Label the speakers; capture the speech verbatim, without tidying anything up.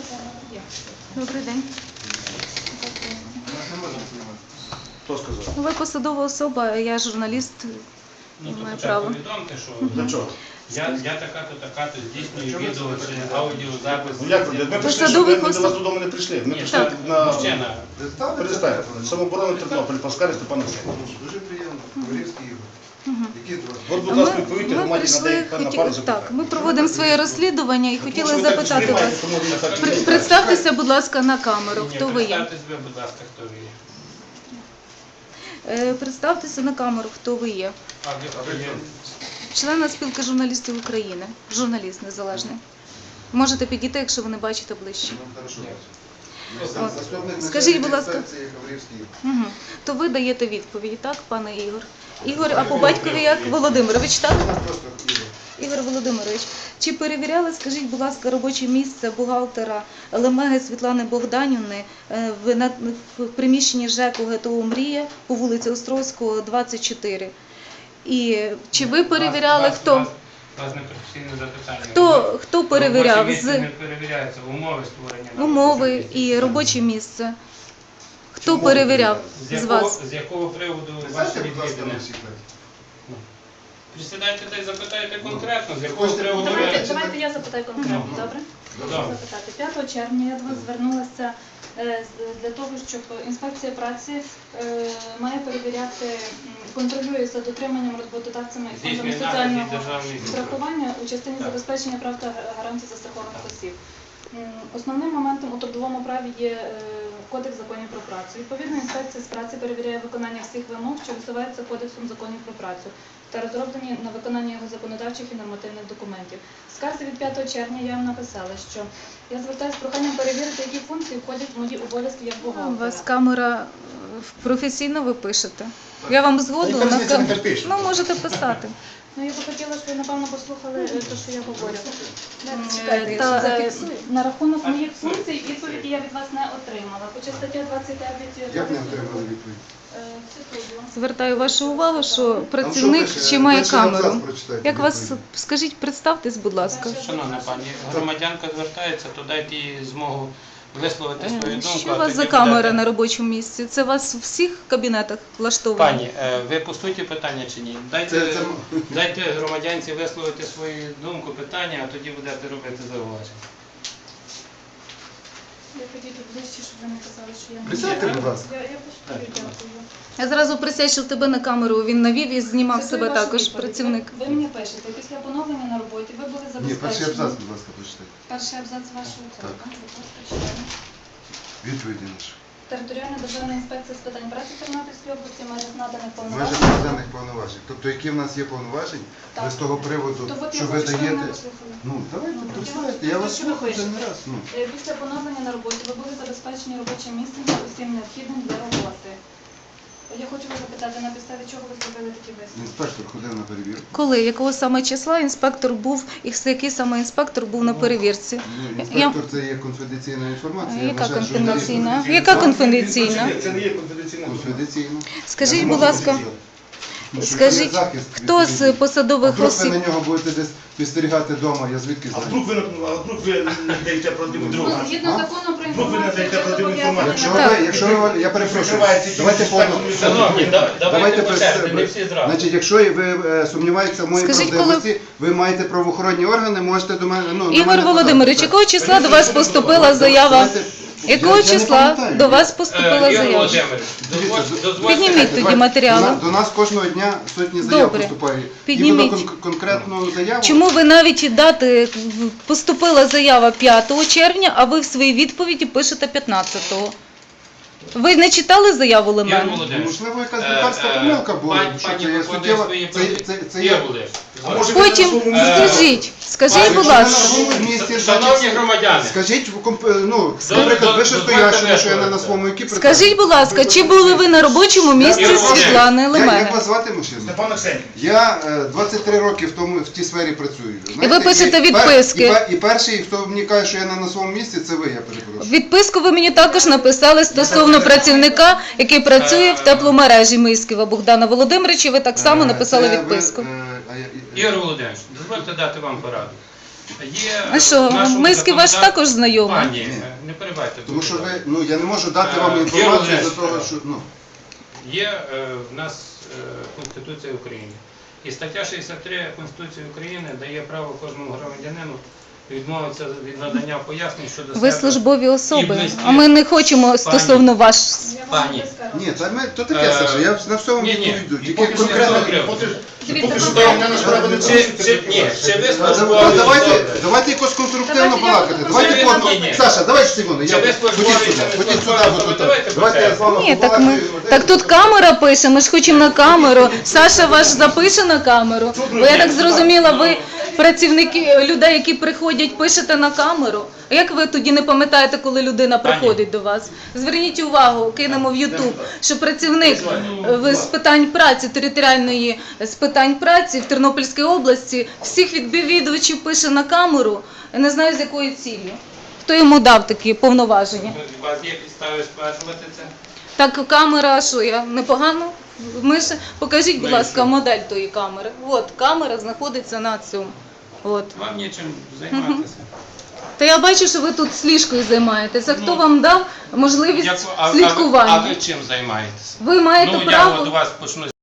Speaker 1: Добрий день.
Speaker 2: Хто сказав?
Speaker 1: Ви посадова особа, я журналіст,
Speaker 3: Ну, то
Speaker 1: маю
Speaker 3: хоча
Speaker 1: право.
Speaker 3: повідомте, що
Speaker 2: Для чого?
Speaker 3: я, я така-то, така-то здійснюю відео чи аудіозапис.
Speaker 2: Ну як ви? Ми прийшли, щоб
Speaker 1: Посадових
Speaker 2: ми до вас
Speaker 1: осіб.
Speaker 2: додому не прийшли. Ми
Speaker 3: Ні,
Speaker 2: прийшли
Speaker 3: так,
Speaker 2: на...
Speaker 3: мужчина.
Speaker 2: Перестань. Самооборона Тернопіль, Паскаль Степан Олексійович.
Speaker 4: Дуже приємно. Говорівський Ігор. Які два?
Speaker 2: От, будь
Speaker 1: Ми,
Speaker 2: ласка, відповідьте,
Speaker 1: ми
Speaker 2: громаді
Speaker 1: прийшли,
Speaker 2: надає на
Speaker 1: хоті-
Speaker 2: пару
Speaker 1: так,
Speaker 2: запитань.
Speaker 1: ми проводимо своє розслідування і
Speaker 2: Тому
Speaker 1: хотіли
Speaker 2: що ви так
Speaker 1: запитати
Speaker 2: сприймаєте,
Speaker 1: вас.
Speaker 2: тому ви так
Speaker 1: При-
Speaker 2: не
Speaker 1: Представтеся, будь ласка, на камеру,
Speaker 3: Ні,
Speaker 1: хто ви є.
Speaker 3: представтесь ви, будь ласка, хто ви є.
Speaker 1: Е, Представтеся на камеру, хто ви є.
Speaker 3: А ви, а ви є?
Speaker 1: Члена спілки журналістів України, журналіст незалежний. Можете підійти, якщо ви не бачите ближче.
Speaker 4: Ну, хорошо.
Speaker 1: От.
Speaker 4: Заступник
Speaker 1: Скажіть, будь ласка.
Speaker 4: інспекції Говорівський Ігор.
Speaker 1: Угу. То ви даєте відповіді, так, пане Ігор? Ігор, а по батькові як? Володимирович, так?
Speaker 4: Просто Ігор.
Speaker 1: Ігор Володимирович, чи перевіряли, скажіть, будь ласка, робоче місце бухгалтера Лемеги Світлани Богданівни е, в, на, в приміщенні ЖЕКу ГТО «Мрія» по вулиці Острозького, двадцять чотири? І чи ви перевіряли,
Speaker 3: Вас-
Speaker 1: хто?
Speaker 3: Вас, вас не професійне запитання.
Speaker 1: Хто, хто перевіряв?
Speaker 3: Робоче місце
Speaker 1: З
Speaker 3: не перевіряється, умови створення. на
Speaker 1: умови
Speaker 3: робочому місці.
Speaker 1: і робоче місце? Хто
Speaker 2: Чому
Speaker 1: перевіряв
Speaker 3: З
Speaker 1: з
Speaker 3: якого,
Speaker 1: вас?
Speaker 3: з якого приводу ваші
Speaker 4: Присядьте, будь ласка,
Speaker 3: відвідини?
Speaker 4: на секрет.
Speaker 3: Присідайте та й запитайте конкретно, з якого
Speaker 4: Хочете
Speaker 3: приводу
Speaker 4: поговорити?
Speaker 3: ви...
Speaker 5: Давайте, давайте я запитаю конкретно,
Speaker 3: Ну.
Speaker 5: добре?
Speaker 3: Добре.
Speaker 5: Хочу запитати. п'ятого червня я до вас звернулася е, з- для того, щоб інспекція праці е, має перевіряти, м, контролює за дотриманням роботодавцями і фондами
Speaker 3: Здійснює нагляд
Speaker 5: соціального
Speaker 3: і державний
Speaker 5: страхування у частині
Speaker 3: Так.
Speaker 5: забезпечення прав та гарантій застрахованих осіб. М, Основним моментом у трудовому праві є е, Кодекс законів про працю. Відповідно, інспекція з праці перевіряє виконання всіх вимог, що висуваються Кодексом законів про працю, та розроблені на виконання його законодавчих і нормативних документів. В скарзі від п'ятого червня я вам написала, що я звертаюся з проханням перевірити, які функції входять в мої обов'язки як
Speaker 1: У
Speaker 5: бухгалтера.
Speaker 1: вас камера е, професійно ви пишете. Я вам згоду
Speaker 2: Та
Speaker 1: на
Speaker 2: яка різниця,
Speaker 1: камеру.
Speaker 2: нехай пише.
Speaker 1: Ну, можете писати.
Speaker 5: Ну, я би хотіла, щоб ви, напевно, послухали е, те, що я говорю.
Speaker 1: Чекайте, я
Speaker 5: Та,
Speaker 1: ще
Speaker 5: е,
Speaker 1: зафіксую.
Speaker 5: на рахунок моїх функцій відповіді я від вас не отримала. Хоча стаття двадцять дев'ять
Speaker 4: Як не
Speaker 5: Кодексу
Speaker 4: отримали відповідь?
Speaker 5: Е, цитую.
Speaker 1: Звертаю вашу увагу, що
Speaker 4: Там
Speaker 1: працівник
Speaker 4: що пише?
Speaker 1: ще має
Speaker 4: Перший абзац
Speaker 1: камеру.
Speaker 4: прочитайте
Speaker 1: Як вас,
Speaker 4: відповідь.
Speaker 1: скажіть, представтесь, будь ласка.
Speaker 3: Шановна пані, громадянка звертається, то дайте їй змогу висловити свою
Speaker 1: Е,
Speaker 3: думку.
Speaker 1: Що
Speaker 3: а
Speaker 1: у вас
Speaker 3: тоді
Speaker 1: за камера
Speaker 3: будете-
Speaker 1: на робочому місці? Це у вас у всіх кабінетах влаштовано?
Speaker 3: Пані, е, ви по суті питання чи ні? Дайте,
Speaker 4: Це- це-
Speaker 3: дайте громадянці висловити свою думку, питання, а тоді будете робити зауваження.
Speaker 5: Я підійду ближче, щоб ви не казали, що я не
Speaker 4: Присядьте,
Speaker 5: знаю.
Speaker 4: будь ласка.
Speaker 5: Я, я постою, дякую.
Speaker 1: Я зразу присядь, що в тебе на камеру він навів і знімав
Speaker 5: Цитую
Speaker 1: себе
Speaker 5: вашу
Speaker 1: також,
Speaker 5: відповідь.
Speaker 1: працівник.
Speaker 5: Ви, ви мені пишете, після поновлення на роботі ви були
Speaker 4: Ні,
Speaker 5: забезпечені.
Speaker 4: перший абзац, будь ласка, прочитайте.
Speaker 5: Перший абзац вашого
Speaker 4: Так.
Speaker 5: тексту.
Speaker 4: Відповіді наші.
Speaker 5: Територіальна державна інспекція з питань праці Тернопільської області має наданих
Speaker 4: Межі
Speaker 5: повноважень.
Speaker 4: наданих повноважень. Тобто, які в нас є повноважень,
Speaker 5: Так.
Speaker 4: ви з того приводу,
Speaker 5: То от я
Speaker 4: що ви
Speaker 5: хочу, щоб ви
Speaker 4: даєте...
Speaker 5: мене послухали.
Speaker 4: Ну, давайте,
Speaker 5: Ну,
Speaker 4: представляйте,
Speaker 5: я-
Speaker 4: я вас
Speaker 5: що ви
Speaker 4: слухаю вже не
Speaker 5: пишете?
Speaker 4: раз. Ну.
Speaker 5: Е, Після поновлення на роботі ви були забезпечені робочим місцем та усім необхідним для роботи. Я хочу вас запитати, на підставі чого ви зробили такі висновки?
Speaker 4: Інспектор ходив на перевірку.
Speaker 1: Коли, якого саме числа інспектор був, і який саме інспектор був на перевірці?
Speaker 4: Ну, інспектор це є конфіденційна інформація. Я
Speaker 1: Яка
Speaker 4: вважаю, що
Speaker 1: конфіденційна?
Speaker 4: журналіст-
Speaker 1: Яка конфіденційна?
Speaker 2: Це не є конфіденційна.
Speaker 4: Конфіденційна.
Speaker 1: Скажіть,
Speaker 4: Я не
Speaker 1: будь
Speaker 4: можу
Speaker 1: ласка,
Speaker 4: сказати. Ну, що
Speaker 1: скажіть,
Speaker 4: це захист
Speaker 1: хто з
Speaker 4: відповідний.
Speaker 1: посадових
Speaker 4: А вдруг
Speaker 1: осіб?
Speaker 4: ви на нього будете десь підстерігати вдома, я звідки
Speaker 2: А
Speaker 4: знаю?
Speaker 2: вдруг ви, а вдруг ви не даєте правдиву
Speaker 5: Ну,
Speaker 2: інформацію?
Speaker 5: згідно
Speaker 4: А?
Speaker 5: закону про
Speaker 2: Ну, ви
Speaker 5: інформацію,
Speaker 2: надаєте
Speaker 5: ви
Speaker 2: правдиву
Speaker 5: зобов'язані
Speaker 4: Якщо
Speaker 5: надати.
Speaker 4: ви, якщо ви, я перепрошую,
Speaker 2: Прикриваєте
Speaker 4: давайте
Speaker 2: ті
Speaker 4: повно.
Speaker 2: інспектори,
Speaker 3: Шановні, да- давайте по
Speaker 4: без-
Speaker 3: черзі, не всі зразу.
Speaker 4: Значить, якщо ви е, сумніваєтеся в моїй
Speaker 1: Скажіть,
Speaker 4: правдивості, ви маєте правоохоронні органи, можете до мене, ну, на
Speaker 1: Ігор
Speaker 4: мене
Speaker 1: Володимирович,
Speaker 4: подати.
Speaker 1: якого числа до вас поступила заява?
Speaker 4: Давайте-
Speaker 1: Якого
Speaker 4: Я- я не
Speaker 1: числа
Speaker 4: пам'ятаю.
Speaker 1: до вас
Speaker 3: Е,
Speaker 1: поступила
Speaker 3: Ігор
Speaker 1: заява?
Speaker 3: Володимирович,
Speaker 4: Дивіться,
Speaker 3: дозволь- дозвольте-
Speaker 1: Підніміть тоді
Speaker 4: Давайте,
Speaker 1: матеріали.
Speaker 4: До, на- до нас кожного дня сотні заяв
Speaker 1: Добре.
Speaker 4: поступає.
Speaker 1: Підніміть.
Speaker 4: Іменно кон- конкретну заяву.
Speaker 1: Чому ви навіть і дати поступила заява п'ятого червня, а ви в своїй відповіді пишете п'ятнадцятого? Ви не читали заяву
Speaker 3: Ігор
Speaker 1: Лемена?
Speaker 3: Володимирович,
Speaker 4: Можливо, якась
Speaker 3: е,
Speaker 4: лікарська
Speaker 3: е,
Speaker 4: помилка була.
Speaker 3: пані-
Speaker 4: Що
Speaker 3: пані
Speaker 4: це є
Speaker 3: виконує
Speaker 4: суттєва?
Speaker 3: свої
Speaker 4: Це,
Speaker 3: прав-
Speaker 4: це, це
Speaker 3: Ігор
Speaker 4: є...
Speaker 3: Володимирович,
Speaker 2: А може,
Speaker 1: Потім
Speaker 2: ви на своєму місці?
Speaker 1: скажіть, скажіть,
Speaker 3: Пані,
Speaker 1: будь
Speaker 4: Якщо ви на
Speaker 1: ласка.
Speaker 4: своєму місці,
Speaker 3: Шановні
Speaker 4: значить,
Speaker 3: громадяни,
Speaker 4: скажіть, в комп- ну,
Speaker 3: До-
Speaker 4: наприклад,
Speaker 3: до-
Speaker 4: ви що
Speaker 3: дозвольте
Speaker 4: стоящими, що я не на
Speaker 3: висловитися.
Speaker 4: своєму які
Speaker 1: Скажіть, будь ласка, чи були ви на робочому місці
Speaker 3: Ігор Володимирович,
Speaker 1: Світлани
Speaker 4: Я, як
Speaker 1: Лемеги?
Speaker 4: вас звати мужчина?
Speaker 2: Степан Оксенів.
Speaker 4: Я е, двадцять три роки в тому в тій сфері працюю.
Speaker 1: ви пишете
Speaker 4: і пер-
Speaker 1: відписки.
Speaker 4: І, пер- і перший, хто мені каже, що я не на своєму місці, це ви, я перепрошую.
Speaker 1: Відписку ви мені також написали стосовно працівника, який працює в тепломережі Мисківа Богдана Володимировича. Ви так само
Speaker 4: Е,
Speaker 1: написали
Speaker 4: це ви,
Speaker 1: відписку.
Speaker 4: е, а я-
Speaker 3: Ігор Володимирович, дозвольте дати вам пораду. Є
Speaker 1: А що,
Speaker 3: в нашому
Speaker 1: Миськи ваш
Speaker 3: законодав-
Speaker 1: також знайомий?
Speaker 3: Пані, е, не перебивайте.
Speaker 4: Тому що
Speaker 3: будь
Speaker 4: ви,
Speaker 3: ласка.
Speaker 4: ну я не можу дати
Speaker 3: Е,
Speaker 4: вам
Speaker 3: є
Speaker 4: інформацію
Speaker 3: одне,
Speaker 4: за того,
Speaker 3: е,
Speaker 4: що ну.
Speaker 3: Є е, в нас е, Конституція України. І стаття шістдесят три Конституції України дає право кожному громадянину відмовитися від надання пояснень щодо
Speaker 1: Ви
Speaker 3: себе.
Speaker 1: службові
Speaker 3: і
Speaker 1: особи,
Speaker 3: близькі.
Speaker 1: а ми не хочемо стосовно ваш.
Speaker 5: Я вам
Speaker 3: Пані.
Speaker 5: вже скажу.
Speaker 4: Ні, та ми то таке,
Speaker 3: Е,
Speaker 4: Саша, я на все вам
Speaker 3: ні, ні.
Speaker 4: відповіду.
Speaker 2: І
Speaker 4: Тільки
Speaker 2: поки що
Speaker 4: конкретно.
Speaker 2: не поки-
Speaker 5: Дивіться,
Speaker 2: поки що
Speaker 5: конкретно.
Speaker 2: я на справи не
Speaker 3: Чи,
Speaker 2: порушую.
Speaker 3: чи, ні, чи ви
Speaker 4: Та,
Speaker 3: службові
Speaker 4: да- Давайте,
Speaker 3: особи?
Speaker 4: давайте якось конструктивно
Speaker 5: Давайте я
Speaker 4: балакати.
Speaker 5: буду
Speaker 4: Давайте
Speaker 3: конструктивно.
Speaker 4: по-
Speaker 3: Ні, ні.
Speaker 4: Саша, давайте секунду.
Speaker 3: Чи
Speaker 4: Я
Speaker 3: ви
Speaker 4: ходіть
Speaker 3: службові,
Speaker 4: сюди,
Speaker 3: чи не
Speaker 4: ходіть сюди,
Speaker 3: службові,
Speaker 4: бо
Speaker 3: то
Speaker 4: тут.
Speaker 3: давайте
Speaker 4: Давайте я з вами
Speaker 1: Ні, так ми так тут камера пише. Ми ж хочемо на камеру. Саша ваш запише на камеру. Бо я так зрозуміла, ви працівники людей, які приходять, пишете на камеру. А як ви тоді не пам'ятаєте, коли людина
Speaker 3: Пані.
Speaker 1: приходить до вас? Зверніть увагу, кинемо в Ютуб, що працівник е, з питань праці, територіальної з питань праці в Тернопільській області всіх відвідувачів пише на камеру. Я не знаю, з якою ціллю. Хто йому дав такі повноваження?
Speaker 3: У вас є підстави стверджувати це?
Speaker 1: Так, камера, що я непогано? Ми ж покажіть, будь ласка, модель тої камери. От камера знаходиться на цьому. От.
Speaker 3: Вам нічим займатися.
Speaker 1: Та я бачу, що ви тут сліжкою займаєтеся. Хто
Speaker 3: Ну,
Speaker 1: вам дав можливість
Speaker 3: Як ви- а, а, ви-
Speaker 1: слідкування?
Speaker 3: а ви чим займаєтеся?
Speaker 1: Ви маєте
Speaker 3: Ну, я
Speaker 1: право.
Speaker 3: до вас почну